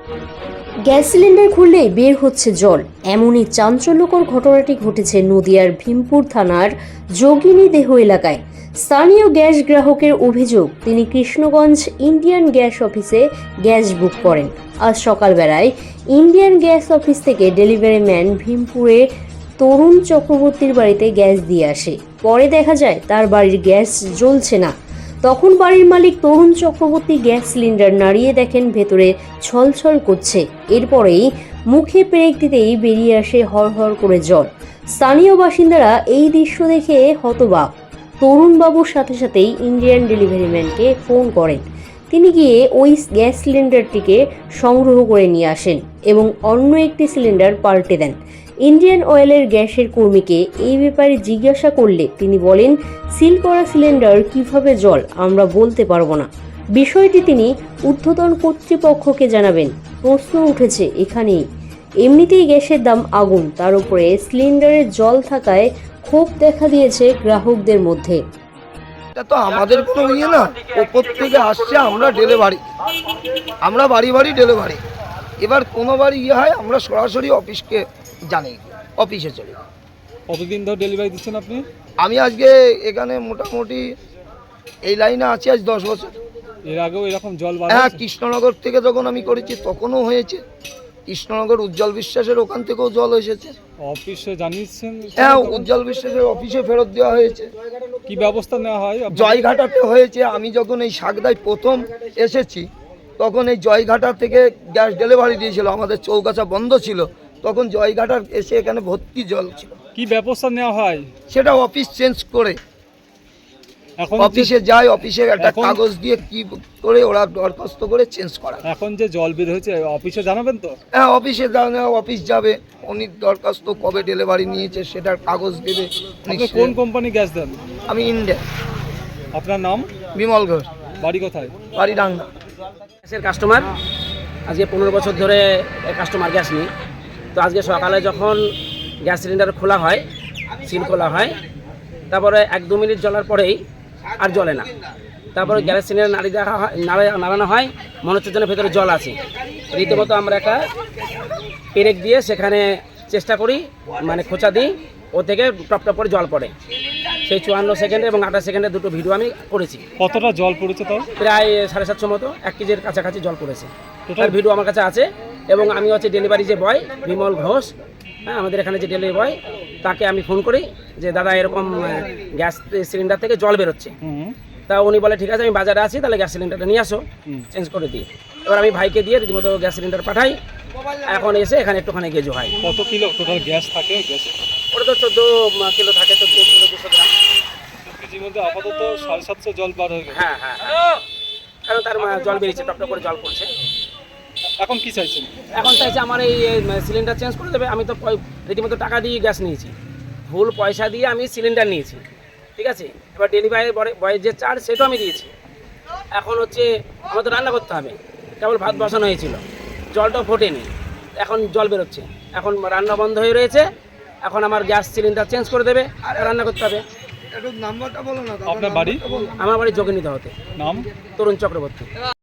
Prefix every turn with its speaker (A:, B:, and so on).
A: Gas cylinder খুললেই বের হচ্ছে জল, এমনই চাঞ্চল্যকর ঘটনাটি ঘটেছে নদিয়ার ভীমপুর থানার যোগিনীদেহ এলাকায়। স্থানীয় গ্যাস গ্রাহকের অভিযোগ, তিনি কৃষ্ণগঞ্জ ইন্ডিয়ান গ্যাস অফিসে গ্যাস বুক করেন। আজ সকালবেলায় ইন্ডিয়ান গ্যাস অফিস থেকে ডেলিভারি ম্যান ভীমপুরে তরুণ চক্রবর্তীর বাড়িতে গ্যাস দিয়ে আসে। পরে দেখা যায় তার বাড়ির গ্যাস জ্বলছে না। তখন বাড়ির মালিক তরুণ চক্রবর্তী গ্যাস সিলিন্ডার নাড়িয়ে দেখেন ভেতরে ছলছল করছে। এরপরেই মুখে পেরেক দিতেই বেরিয়ে আসে হরহর করে জল। স্থানীয় বাসিন্দারা এই দৃশ্য দেখে হতবাক। তরুণবাবুর সাথে সাথেই ইন্ডিয়ান ডেলিভারি ম্যানকে ফোন করেন। তিনি গিয়ে ওই গ্যাস সিলিন্ডারটিকে সংগ্রহ করে নিয়ে আসেন এবং অন্য একটি সিলিন্ডার পাল্টে দেন। ইন্ডিয়ান অয়েলের গ্যাসের কর্মীকে এই ব্যাপারে জিজ্ঞাসা করলে তিনি বলেন, সিল করা সিলিন্ডার কিভাবে জল আমরা বলতে পারবো না। বিষয়টি তিনি ঊর্ধ্বতন কর্তৃপক্ষকে জানাবেন। প্রশ্ন উঠেছে এখানেই, এমনিতেই গ্যাসের দাম আগুন, তার উপরে সিলিন্ডারে জল থাকায় ক্ষোভ দেখা দিয়েছে গ্রাহকদের মধ্যে।
B: এটা তো আমাদের কোনো ইয়ে না, ওপর থেকে আসছে, আমরা ডেলিভারি, আমরা বাড়ি বাড়ি ডেলিভারি। এবার কোনো বাড়ি ইয়ে হয় আমরা সরাসরি অফিসকে জানি, অফিসে চলে।
C: কতদিন ধরে ডেলিভারি দিচ্ছেন আপনি?
B: আমি আজকে এখানে মোটামুটি এই লাইনে আছি আজ 10 বছর।
C: এর আগেও এরকম জল
B: হ্যাঁ, কৃষ্ণনগর থেকে যখন আমি করেছি তখনও হয়েছে। কৃষ্ণনগর উজ্জ্বল বিশ্বাসের ওখান থেকেও জল এসেছে।
C: অফিসে জানিয়েছেন?
B: হ্যাঁ, উজ্জ্বল বিশ্বাসের অফিসে ফেরত দেওয়া হয়েছে।
C: কি ব্যবস্থা নেওয়া হয়?
B: জয়ঘাটাতে হয়েছে। আমি যখন এই শাকদায় প্রথম এসেছি তখন এই জয়ঘাটা থেকে গ্যাস ডেলিভারি দিয়েছিল, আমাদের চৌগাছা বন্ধ ছিল, তখন জয়ঘাটার এসে এখানে ভর্তি জল ছিল।
C: কি ব্যবস্থা নেওয়া হয়?
B: সেটা অফিস চেঞ্জ করে
C: এখন
B: অফিসে যায়, অফিসে একটা কাগজ দিয়ে কি করে ওরা দরখাস্ত করে চেঞ্জ করা।
C: এখন যে জল বের হয়েছে অফিসে জানাবেন তো?
B: হ্যাঁ, অফিসে অফিস যাবে, উনি দরখাস্ত কবে ডেলিভারি নিয়েছে সেটার কাগজ দেবে।
C: আপনি কোন কোম্পানি গ্যাস দেন?
B: আমি ইন্ডিয়া।
C: আপনার নাম?
B: বিমল ঘোষ।
C: বাড়ি কোথায়?
B: বাড়ি ডাঙ্গা।
D: গ্যাসের কাস্টমার, আজকে 15 বছর ধরে কাস্টমার গ্যাস নিই। তো আজকে সকালে যখন গ্যাস সিলিন্ডার খোলা হয়, সিল খোলা হয়, তারপরে 1-2 মিনিট জ্বলার পরেই আর জ্বলে না। তারপরে গ্যাস সিলিন্ডার নাড়ানো হয়, মনে হচ্ছে যেন ভেতরে জল আছে। রীতিমতো আমরা একটা পেরেক দিয়ে সেখানে চেষ্টা করি, মানে খোঁচা দিই, ও থেকে টপ টপ করে জল পড়ে। সেই 54 সেকেন্ডে এবং 28 সেকেন্ডে দুটো ভিডিও আমি করেছি।
C: কতটা জল পড়েছে তাও?
D: প্রায় 750 মতো, 1 কেজির কাছাকাছি জল পড়েছে। তার ভিডিও আমার কাছে আছে। এবং আমি হচ্ছে ডেলিভারি যে বয় বিমল ঘোষ, হ্যাঁ, আমাদের এখানে যে ডেলিভারি বয়, তাকে আমি ফোন করি যে দাদা এরকম গ্যাস সিলিন্ডার থেকে জল বেরোচ্ছে। তা উনি বলে ঠিক আছে, আমি বাজারে আছি, তাহলে গ্যাস সিলিন্ডারটা নিয়ে আসো, চেঞ্জ করে দিই। এবার আমি ভাইকে দিয়ে রীতিমতো গ্যাস সিলিন্ডার পাঠাই। এখন এসে এখানে একটুখানি গেজো হয়।
C: কত কিলো টোটাল গ্যাস থাকে? গ্যাস
D: ওটা তো 14 কিলো থাকে, 14 কিলো 200 গ্রাম।
C: কেজির মধ্যে আপাতত 750 জল বার হয়ে গেছে।
D: হ্যাঁ, কারণ তার জল বেরিয়েছে, টপ টপ করে জল পড়ছে।
C: এখন কি চাইছেন?
D: এখন চাইছে আমার এই সিলিন্ডার চেঞ্জ করে দেবে। আমি তো রীতিমতো টাকা দিয়ে গ্যাস নিয়েছি, ভুল পয়সা দিয়ে আমি সিলিন্ডার নিয়েছি, ঠিক আছে। এবার ডেলিভারি বয়ের যে চার্জ সেটাও আমি দিয়েছি। এখন হচ্ছে আমার তো রান্না করতে হবে, কেবল ভাত বসানো হয়েছিল, জলটাও ফোটেনি, এখন জল বেরোচ্ছে। এখন রান্না বন্ধ হয়ে রয়েছে, এখন আমার গ্যাস সিলিন্ডার চেঞ্জ করে দেবে, রান্না করতে হবে।
B: একটু নাম্বারটা বলো না।
C: আপনার বাড়ি?
D: আমার বাড়ি যোগিনীদেহতে।
C: নাম?
D: তরুণ চক্রবর্তী।